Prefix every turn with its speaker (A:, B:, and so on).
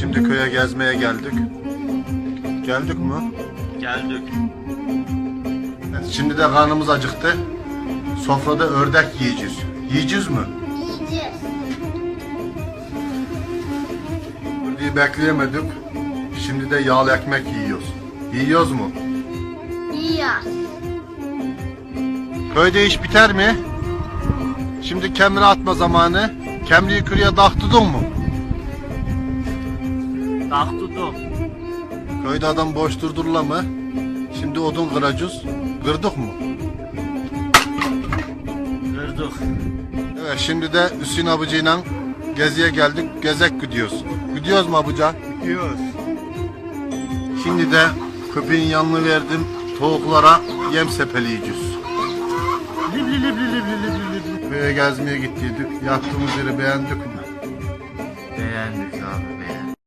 A: Şimdi köye gezmeye geldik. Geldik mi?
B: Geldik.
A: Evet, şimdi de karnımız acıktı. Sofrada ördek yiyeceğiz. Yiyeceğiz mi?
C: Yiyeceğiz.
A: Ördeği bekleyemedik. Şimdi de yağlı ekmek yiyoruz. Yiyoruz mu?
C: Yiyoruz.
A: Köyde iş biter mi? Şimdi kemri atma zamanı. Kemriyi kürüye daktudun mu?
B: Daktudum.
A: Köyde adam boş durdurla mı? Şimdi odun kıracağız. Kırdık mı?
B: Kırdık.
A: Evet, şimdi de Hüseyin abicayla geziye geldik. Gezek gidiyoruz. Gidiyoruz mu abuca?
B: Gidiyoruz.
A: Şimdi de köpeğin yanını verdim. Tavuklara yem sepeleyeceğiz.
B: Libli libli libli libli libli.
A: Köye gezmeye gittiydik. Yattığımız yeri beğendik mi?
B: Beğendik abi.